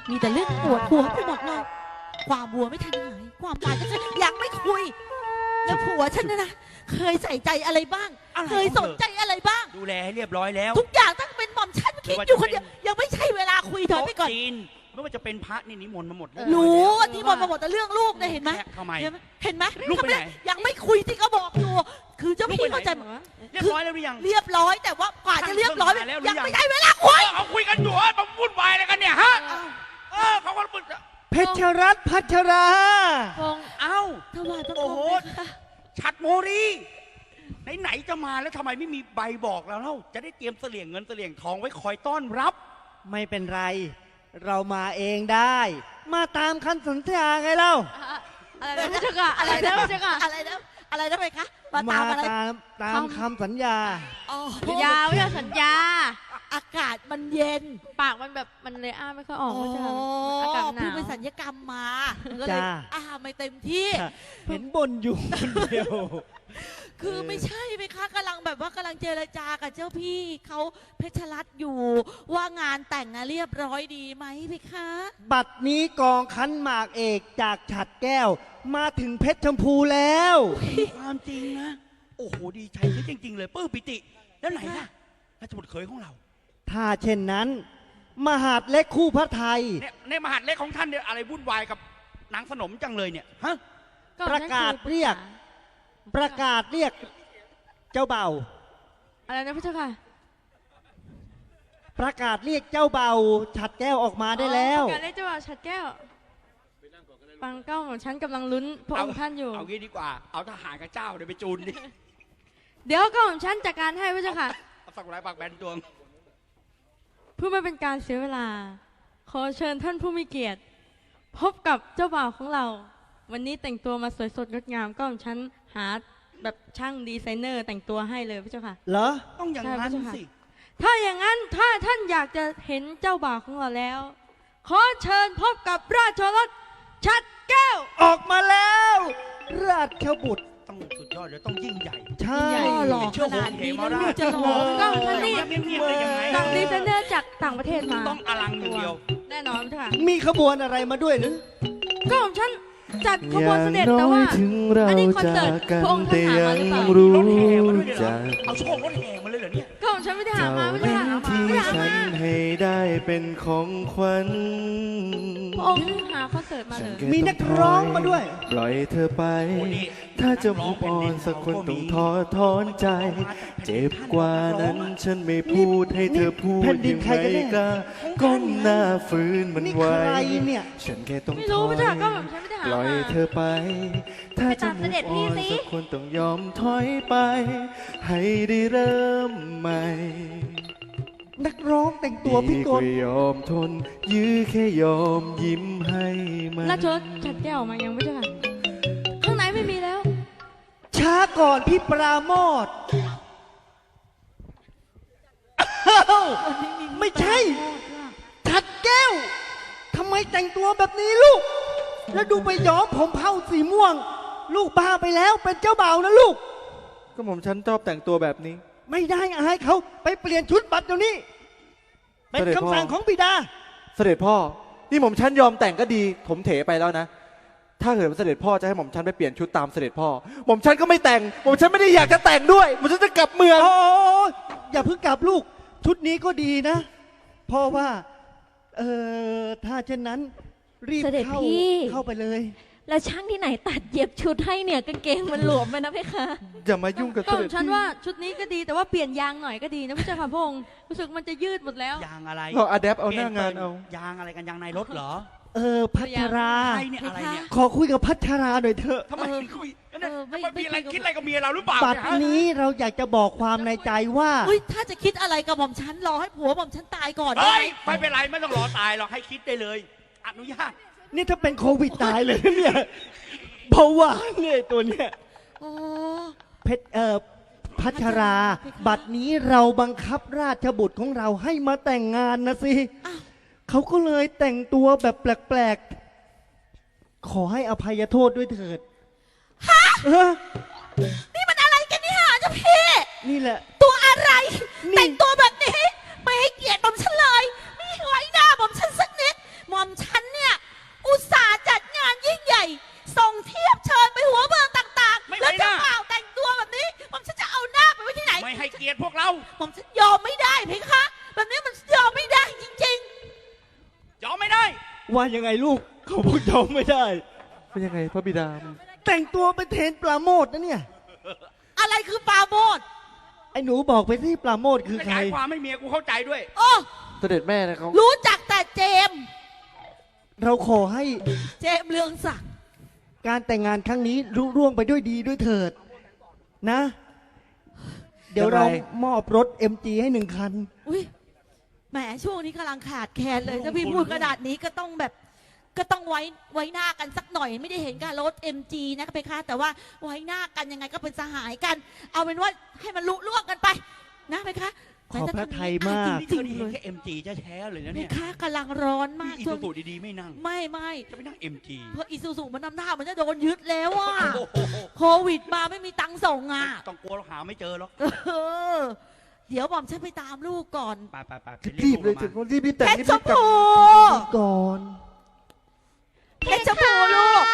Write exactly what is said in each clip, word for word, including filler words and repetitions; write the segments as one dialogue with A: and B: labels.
A: มีแต่เรื่องปวดหัวไปหมดเลยความบัวไม่ทันหายความตายก็จะยังไม่คุยแล้วผัวฉันนะนะเคยใส่ใจอะไรบ้าง เคยสนใจอะไรบ้าง
B: ดูแลให้เรียบร้อยแล้ว
A: ทุกอย่างตั้งเป็นหม่อมฉันคิดอยู่คนเดียวยังไม่ใช่เวลาคุยเถอะไปก่อน
B: ไม่ว่าจะเป็นพระนี่นิมนต์มาหมด
A: รู้ที่มนต์มาหมดแต่เรื่องลูกเนี่ยเห็นไหม
B: ทำไม
A: เห็นไหม
B: ลูกไปไหน
A: ยังไม่คุยที่เขาบอกอยู่คือเจ้าพี่เข้าใจ
B: เรียบร้อยแล้วหรือยัง
A: เรียบร้อยแต่ว่ากว่าจะเรียบร้อยยังไม่ใช่เวลาคุย
B: เขาคุยกันอยู่มาวุ่นวายอะไรกันเนี่ยฮะเออเขาก็มึน
C: เพชรรัตน์พัชรา
A: พงเอ้าถวายพระโอ้โห
B: ฉัดโมรีไหนๆจะมาแล้วทำไมไม่มีใบบอกเราเล่าจะได้เตรียมเสลี่ยงเงินเสลี่ยงทองไว้คอยต้อนรับ
C: ไม่เป็นไรเรามาเองได้มาตามคำสัญญาไงเล่า
A: อะไรนะเจ้าค่ะอะไรนะเจ้าค่ะอะไรนะอะไรนะไปคะ
C: มาตามอะไรตามตามคำสัญญา
A: สัญญาไม่ใช่สัญญาอากาศมันเย็นปากมันแบบมันเลยอ้าไม่ค่อยออกไม่ใช่อากาศหนาวเพิ่งไปสัญญกรรมมาก็เลยอ้าไม่เต็มที่
C: เห็นบ่นอยู่คนเดียว
A: คือไม่ใช่ไหมคะกำลังแบบว่ากำลังเจรจากับเจ้าพี่เขาเพชรรัตน์อยู่ว่างานแต่งเรียบร้อยดีไหมพี่คะ
C: บัดนี้กองคันหมากเอกจากฉัดแก้วมาถึงเพชรชมพูแล้ว
B: ความจริงนะโอ้โหดีใจจริงๆเลยปื้มปิติแล้วไหนล่ะราชบุตรเคยของเรา
C: ถ้าเช่นนั้นมหาดเล็กคู่พระไทย
B: เนี่ยในมหาดเล็กของท่านเนี่ยอะไรวุ่นวายกับนางสนมจังเลยเนี่ยฮะ
C: ประกาศเรียกประกาศเรียกเจ้าเบ่า
A: อะไรนะพี่เจ้าค่ะ
C: ประกาศเรียกเจ้าเบ่าฉัดแก้วออกมาได้แล้ว
A: ประกาศเรียกเจ้าเบ่าฉัดแก้วฟังเก้าของฉันกำลังลุ้นพระองค์ท่านอยู่
B: เอางี้ดีกว่าเอาทหารกับเจ้าเดี๋ยวไปจูนดิ
A: เดี๋ยวก็ของฉันจัดการให้พี่เจ้าค่ะ
B: เอาสักไรปากแบนดวง
A: เพื่อไม่เป็นการเสียเวลาขอเชิญท่านผู้มีเกียรติพบกับเจ้าบ่าวของเราวันนี้แต่งตัวมาสวยสดงดงามก็ของฉันหาแบบช่างดีไซเนอร์แต่งตัวให้เลยพี่เจ้าค่ะ
C: เหรอ
B: ต้องอย่างนั้นสิ
A: ถ้าอย่างนั้นถ้าท่านอยากจะเห็นเจ้าบ่าวของเราแล้วขอเชิญพบกับราชรถฉัดแก้ว
C: ออกมาแล้วราชบุตร
B: ต้องสุดยอดเดี๋ยวต้องยิ่งใหญ่
C: ใช่
A: หล่อขนาดนี้ลูกจะหล่อก็ท่านนี่ต่างดีไซเนอร์จากต่างประเทศมา
B: ต้องอลังอย่างเดียว
A: แน่นอนค่ะ
C: มีขบวนอะไรมาด้วยหรือ
A: ก็ของฉันจัดขบวนเสด็จแต่ว่าอันนี้คอนเสิร์ตพระองค์ท่านหามาหรือเปล่าร
B: ถแห่มาด้วยเหรอเอาโชว์รถแห่มาเลยเหรอเนี่ย
A: ก็ของฉันไม่ได้หามาไม่ได้หามา
D: ที่ฉันให้ได้เป็นของขวัญ
A: พระองค์หาคอนเสิร์ตมาเลย
C: มีนักร้องมาด้วย
D: ปล่อยเธอไปถ้าจะมุกอ่อนสักคนต้องท้อถอนใจเจ็บกว่านั้นฉันไม่พูดให้เธอพูดยังไงก็ก้มหน้าฝืนมันไว้ฉันแค่ต้อง
A: ไม่รู้ไม่ใช่ก็ฉันไม่ได้หา
D: ปล่อยเธอไปถ้าจะมุกอ่อนสักคนต้องยอมถอยไปให้ได้เริ่มใหม่
C: นักร้องแต่งตัวพิกล
D: ยอมทนยื้อแค่ยอมยิ้มให้มัน
A: ราชรถฉัดแก้วมายังไม่ใช่ค่ะข้างในไม่มีแล้ว
C: ช้าก่อนพี่ปราโมทไม่ใช่ฉัดแก้วทำไมแต่งตัวแบบนี้ลูกแล้วดูไปย้อมผมเผาสีม่วงลูกบ้าไปแล้วเป็นเจ้าบ่าวนะลูก
D: ก็ผมฉันชอบแต่งตัวแบบนี้
C: ไม่ได้อายเขาไปเปลี่ยนชุดบัตรเดี๋ยวนี้เป็นคำสั่งของบิดา
D: เสด็จพ่อนี่ผมฉันยอมแต่งก็ดีผมเถไปแล้วนะถ้าเกิดเสด็จพ่อจะให้ผมฉันไปเปลี่ยนชุดตามเสด็จพ่อผมฉันก็ไม่แต่งผมฉันไม่ได้อยากจะแต่งด้วยผมฉันจะกลับเมือง
C: โอ้อย่าเพิ่งกลับลูกชุดนี้ก็ดีนะเพราะว่าเออถ้าเช่นนั้นรีบเข้าเข้าไปเลย
A: แล้วช่างที่ไหนตัดเย็บชุดให้เนี่ยกางเกงมันหลวมไปนะพี่คะ
D: อย่ามายุ่งกับเสด็จ
A: ฉันว่าชุดนี้ก็ดีแต่ว่าเปลี่ยนยางหน่อยก็ดีนะพี่เจ้าค่ะพงศ์รู้สึกมันจะยืดหมดแล้ว
B: ยางอะไร
D: เราอะแดปเอาหน้างานเอา
B: ยางอะไรกันยางในรถเหรอ
C: เออพัชราขอคุยกับพัชราหน่อยเถอะ
B: ทำไมคุยไม่มีอะไรคิดอะไรกับเมียเราหรือเปล่า
C: บัดนี้เราอยากจะบอกความในใจว่า
A: ถ้าจะคิดอะไรกับหม่อมฉันรอให้ผัวหม่อมฉันตายก่อน
B: เฮ้ยไม่เป็นไรไม่ต้องรอตายหรอกให้คิดได้เลยอนุญาต
C: นี่ถ้าเป็นโควิดตายเลยเนี่ยเพราะว่าเนี่ยตัวเนี้ยเพชรเอ่อพัชราบัดนี้เราบังคับราชบุตรของเราให้มาแต่งงานนะสิเขาก็เลยแต่งตัวแบบแปลกๆขอให้อภัยโทษด้วยเถิด
A: ฮะนี่มันอะไรกันนี่ฮะเจ้าพี่
C: นี่แหละ
A: ตัวอะไรแต่งตัวแบบนี้ไม่ให้เกียรติหม่อมฉันเลยไม่ไว้หน้าหม่อมฉันสักนิดหม่อมฉัน
C: ว่ายังไงลูกเขาพูดยอมไม่ได้
D: เป็นยังไงพระบิดา
C: แต่งตัวเป็นเทรนปลาโมดนะเนี่ย
E: อะไรคือปาโมด
C: ไอ้หนูบอกไปที่ปลาโมดคือ
B: ข
C: ใคร
B: ยายความให้เมียกูเข้าใจด้วย
E: โอ้
D: เสด็จแม่นะเขา
E: รู้จักแต่เจมส์
C: เราขอให้
E: เจมส์เรืองศักดิ์
C: การแต่งงานครั้งนี้รุ่ร่วงไปด้วยดีด้วยเถิดนะ เดี๋ยวเรามอบรถ เอ็ม จี ให้หนึ่งคัน
E: อุ้ยแหมช่วงนี้กำลังขาดแคลนเลยถ้าพี่พูดขนาดนี้ก็ต้องแบบ ก็ต้องไว้ไว้หน้ากันสักหน่อยไม่ได้เห็นการรถ เอ็ม จี นะไปค่ะแต่ว่าไว้หน้ากันยังไงก็เป็นสหายกัน เอาเป็นว่าให้มันลุล่วงกันไป นะไปค่ะ
C: ขอบพระทัยมาก
B: นี่เธอนี่เห็นแค่ เอ็ม จี แท้ๆเลยนะ
E: ไป
B: เนี่ย
E: ค่ะกำลังร้อนมาก
B: อี
E: ช่ว
B: ซู
E: ง
B: ซูดีๆไม่นั่ง
E: ไม่ไม่
B: จะไปนั่ง เอ็ม จี
E: เพราะอีซูซูมันนำหน้ามันจะโดนยึดแล้วอ่ะ
B: โอ้โห
E: โควิดมาไม่มีตังค์ส่งอ่ะ
B: ต้องกลัวเราหาไม่เจอหรอก
E: เออเดี๋ยวบอมฉันไปตามลูกก่อน
B: ไปไปไปไป
C: รีบเลย
B: ถึ
C: ถึ
B: ง
C: งรีบรีบแต่ง
E: เพชร
C: รีบ
E: ช
C: รี
E: ม
C: บกลับ
E: พู
C: ก่อน
E: เพชรชมพูลูก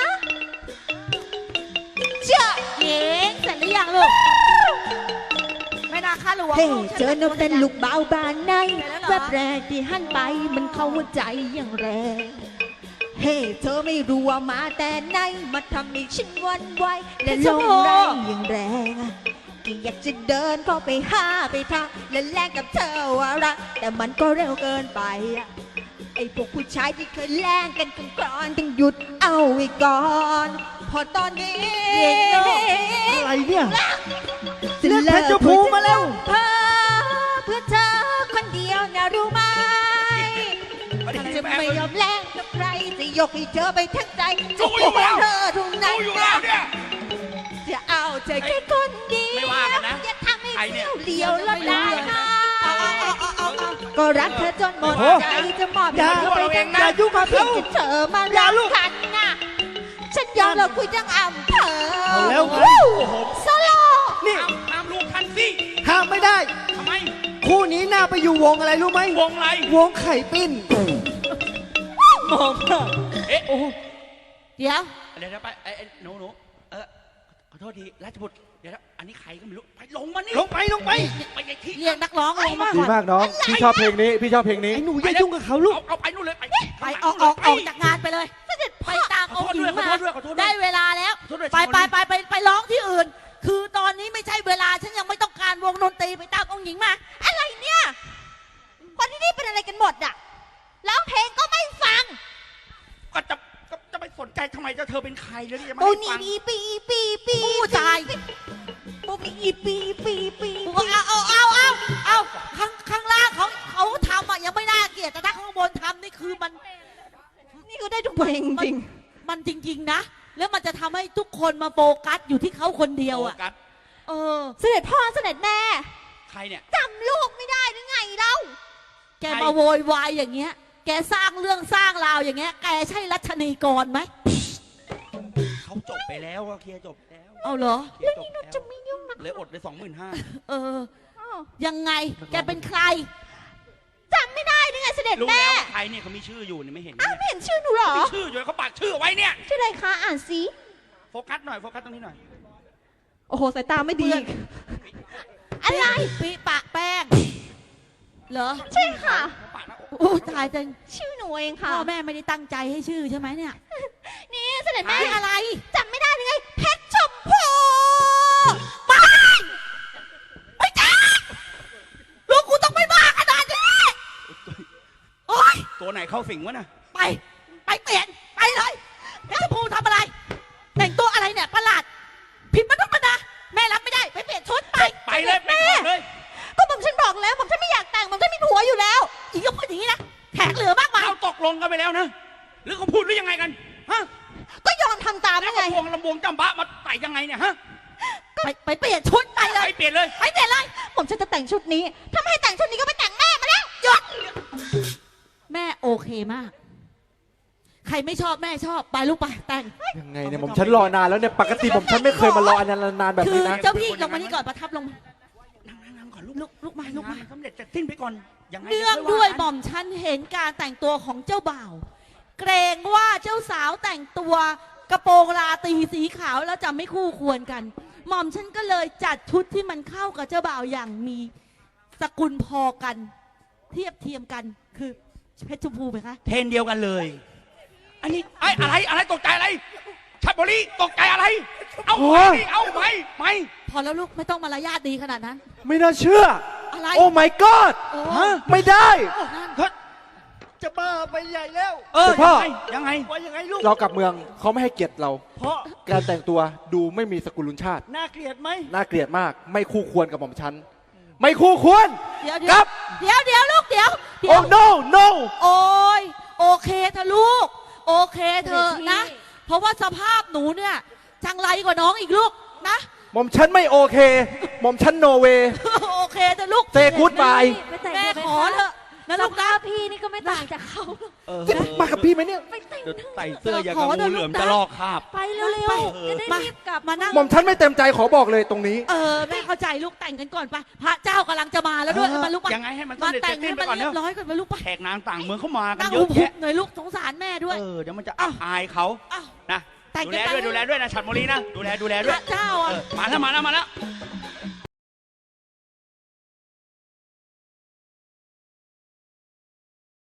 E: เจ้าเย้เสร็จหรือยังลูกไม่นาค่าหลวง
F: เฮ้
E: ลูก
F: เจอนกเต้นลูกเบาบานใน
E: เสร็จแล้วเหรอ
F: แวบแรกที่หันไปมันเข้าหัวใจอย่างแรง เฮ้เธอไม่รู้ว่ามาแต่ไหนมาทำให้ฉันหวันไหวและลงแรงอย่างแรงก็อยากจะเดินเข้าไปหาไปทักและแลกกับเธอว่ารักแต่มันก็เร็วเกินไปอะไอ้พวกผู้ชายที่เคยแลกกันกันก่อนต้องหยุดเอาไว้ก่อน พอตอนนี้
C: อะไรเนี่ย
F: จะ
C: เลือกเพชรชมพูมาแล้ว
F: เธอเพื่อเธอคนเดียวนะรู้ไหม
B: ไม่ได้
F: จะ
B: แม่
F: ไม่
B: มึง
F: ยอมแลกกับใครจะยกให้เธอไปทั้งใจจะ
B: รู้อยู่
F: ขอ
B: แล้ว
F: เธอทุกนั้น
B: รู้อยู่แล้วเนี่ย
F: จะเอาเธอแค่คนเดียว
B: ไม่ว่ากันนะ
F: อย่าทำให้
B: ใครเนี่ย
F: เลี้ยวแล้วได้ค่ะก็รักเธอจนหมด
C: โอ้
F: ใจจะมอบ
C: อย่า
F: ให้เธอไปทั้ง
C: อย่ายุ่งกับเขา
F: ที่เธอมา
C: อย่า
F: รัก
C: ลูก
F: กันนะฉันยอมเราคุยทั้งอำเภอ
C: เอาแล้ว
F: วู้
B: โอ้โห
F: โซโล่
C: นี่
B: ห้ามห้ามลูกทันสิ
C: ห้ามไม่ได้
B: ทำไม
C: คู่นี้น่าไปอยู่วงอะไรรู้ไหม
B: วงอะไร
C: วงไข่ปิ้นมองมาก
B: เอ๊ะ
C: โอ้โห
E: เดี๋ยว
B: เดี๋ยวๆไปไอ้ไอ้หนูหนูเออขอโทษทีราชบุตรเดี๋ยวนะอันนี้ใครก็ไม่รู้ไปลงมานี่
C: ลงไปลงไป
B: ไปไอ้ที่
E: เรียกนักร้องลงมา
D: ดี
E: ก่อน
D: มากน้อง พี่ชอบเพลงนี้ พี่ชอบเพลงนี้
C: ไอ้หนูอย่ายุ่งกับเขาลูก
B: เอาเอาไปนู่นเลยไป
E: ไปออกออกออกจากงานไปเลยไปตามองค์หญิงมา
B: ขอโทษด้วยขอโทษด้วย
E: ได้เวลาแล้ว
B: ขอโทษด้วย
E: ไปไปไปไปไปร้องที่อื่น คือตอนนี้ไม่ใช่เวลาฉันยังไม่ต้องการวงดนตรีไปตามองค์หญิงมา
F: อะไรเนี่ย คนที่นี่เป็นอะไรกันหมดอะร้องเพลงก็ไม่ฟัง
B: ก็จะก็จะไปสนใจทำไมเจ้าเธอเป็นใครแล้วที่จะมา
F: ปู
B: ให้
F: นี
B: ฟัง
F: ปีปีปีปี
E: ผู้ชาย
F: ปูนีอีปีปีปี
E: เอาเอาเอาเอาเอาข้างข้างล่างเขาเขาทำอ่ะยังไม่น่าเกลียดแต่ถ้าข้างบนทำนี่คือมัน
F: นี่ก็ได้ทุกเพลงจริง
E: มันจริง ๆ นะ แล้วมันจะทำให้ทุกคนมาโฟกัสอยู่ที่เขาคนเดียวอ่ะ
B: โฟกัส
E: เออ
F: เสด็จพ่อเสด็จแม่
B: ใครเนี่ย
F: จำลูกไม่ได้หรือไงเล่า
E: แกมาโวยวายอย่างเงี้ย แกสร้างเรื่องสร้างราวอย่างเงี้ย แกใช่รัชนีกรไหม
B: เขาจบไปแล้วก็เคลียร์จบแล้ว
E: เอาเหรอ
B: เคลียร์จบแล้ว
F: จะไม่ยุ่งนะ
B: เลยอดไปสองหมื่นห้า
E: เออ ยังไง แกเป็นใคร
F: จำไม่ได้หรือไงเสด็จ
B: รู้
F: แม่
B: แล้วว่าใครเนี่ยเขามีชื่ออยู่เนี่ยไม่เห็น
F: อ้าว
B: เนี่ย
F: ไม่เห็นชื่อหนูเหรอ
B: มีชื่ออยู่เขาปากชื่อเอาไว้เนี่ย
F: ชื่ออะไรคะอ่านสิ
B: โฟกัสหน่อยโฟกัสตรงนี้หน่อย
F: โอ้โหสายตาไม่ดี
E: อะไรปีปะแป้ง เหรอ
F: ใช่ค่ะ
B: ปากนะ
E: โอ้ตายจัง
F: ชื่อหนูเองค่ะ
E: พ่อแม่ไม่ได้ตั้งใจให้ชื่อใช่ไหมเนี่ย
F: นี่เสด็จแม่
E: ชื่ออะไร
F: จำไม่ได้หรือไงเพชรชมพู
E: ไม่ไม่จ้าลูกกูต้องไม่บ้าขนาดนี้โอ๊ย
B: ตัวไหนเข้าสิงวะน่ะ
E: ไป ไปเปลี่ยน ไปเลยแม่ชมพูทำอะไร แต่งตัวอะไรเนี่ยประหลาด ผิดมนุษย์มนาแม่รับไม่ได้ ไปเปลี่ยนชุดไป
B: ไปเลยไปก่อนเลย
F: ก็ผมฉันบอกแล้วผมฉันไม่อยากแต่งผมฉันมีผัวอยู่แล้ว
E: อีกก็พูดอย่างนี้นะแขกเหลือมากมาย
B: เราตกลงกันไปแล้วนะหรือเขาพูดหรือยังไงกันฮะ
F: ก็ยอมทำตาม
B: แล้
F: ได้
B: ว
F: ไง
B: ก็พวงลำวงจำบะมาใส่ยังไงเนี่ยฮะ
E: ไปไปเปลี่ยนชุดไปเล
B: ไป
E: ย
B: เปลี่ยนเลย
E: ไปเปลี่ยนเลย
F: ผมฉันจะแต่งชุดนี้ถ้าไม่ให้แต่งชุดนี้ก็ไปแต่งแม่มาแล้ว
E: หยุด แม่โอเคมาก ใครไม่ชอบแม่ชอบ ไปลูกไปแต่ง
D: ยังไงเนี่ยผมฉันรอนานแล้วเนี่ยปกติผมฉันไม่เคยมารออันนานๆแบบ
E: คือ
D: นี้นะ
E: เจ้าพี่ลงมานี่ก่อนประทับลงมา
B: นั่งนั่งนั่งก่อนลูก
E: ลุกลุกมาลุกมา
B: สำเร็จจะสิ้นไปก่อนยังไง
E: เนื่อง
B: ค่
E: ด้วย
B: ากัน
E: หม่อมฉันเห็นการแต่งตัวของเจ้าบ่าว เกรงว่าเจ้าสาวแต่งตัวกระโปรงราตรีสีขาวแล้วจะไม่คู่ควรกัน หม่อมฉันก็เลยจัดชุดที่มันเข้ากับเจ้าบ่าวอย่างมีสกุลพอกัน เทียบเทียมกันคือเพชรชมพูไหมคะ
B: เทรนเดียวกันเลย อันนี้ไอ้อะไรอะไรตกใจอะไรชัดบุรีตกใจอะไร เอาไปดิเอาไปไป
E: พอแล้วลูกไม่ต้องมารยาทดีขนาดนั้น
D: ไม่น่าเชื่อ
E: อะไร
D: โอ้ my god
E: โอ้
B: ฮะ
D: ไม่ได้
E: นั่น
B: เฮ้ย
C: จะบ้าไปใหญ่แล้ว
B: เออ
D: พ่อ
B: ยังไงยังไง
C: ว่ายังไงลูก
D: เรากลับเมืองเขาไม่ให้เกียรติเรา
C: เพราะ
D: การแต่งตัวดูไม่มีสกุลุนชาติ
C: น่าเกลียดไหม
D: น่าเกลียดมาก ไม่คู่ควรกับหม่อมฉัน ไม่คู่ควร
E: เดี๋ยว
D: ค
E: เดี๋
D: รั
E: ยว
D: บ
E: เดี๋ยวเดี๋ยวลูกเดี๋ยวเดี๋ย
D: โอ้
E: ว
D: no no
E: โอ้ยโอเคเธอะลูก โอเคเธอะนะ เพราะว่าสภาพหนูเนี่ยจังไรกว่าน้องอีกลูกนะ
D: หม่อมฉันไม่โอเค หม่อมฉันโนเว
E: โอเคเธอะลูก
D: เซกูดบาย
F: ไปแต่ง
E: แม่
F: เถอะ
E: ขอ
F: ไป
E: เถ
F: คะ
E: อะนะ
F: ส
E: ลูกนะ
F: ภาพพี่นี่ก็ไม่ต่างจากเขาหรอก
B: เออ
D: จะมากับพี่ไหมเนี่ย
F: ไปแต่ง
B: เดี๋ยว
F: เถอะ
B: ใส่เสื้ออย่างกับงูเหลือมจะลอกคราบ
F: ไปเร็ว
E: ไป
F: ๆจะได้
E: มา
F: รีบกลับ
E: มานั่ง
D: หม่อมฉันไม่เต็มใจขอบอกเลยตรงนี้
E: เออแม่เข้าใจลูกแต่งกันก่อนไปพระเจ้ากำลังจะมาแล้วด้วย
B: เออ
E: มาลูก
B: ยังไงให้มัน
E: มา
B: สำเร็จ
E: แต่ง
B: เสร็
E: ให้
B: จสิ้นไป
E: มัน
B: ก่อนเน
E: เรีย
B: อะ
E: บร้อยก่อนมาลูกไป
B: แขกนางต่างเมืองเข้ามากัน
E: นั่ง
B: เย
E: หุ
B: อะ
E: บ
B: แยะ
E: ๆหน่อยลูกสงสารแม่ด้วย
B: เออเดี๋ยวมันจะอับอายเขา
E: อ้าว
B: นะ
E: แต่ง
B: ดู
E: กัน
B: แล
E: ไป
B: ด้วยดูแลด้วยนะฉัดโมลีนะดูแลดูแล
E: พ
B: ด้วย
E: ระเจ้า
B: เอ
E: อ่ะ
B: อมาแล้วมาแล้วมาแล้ว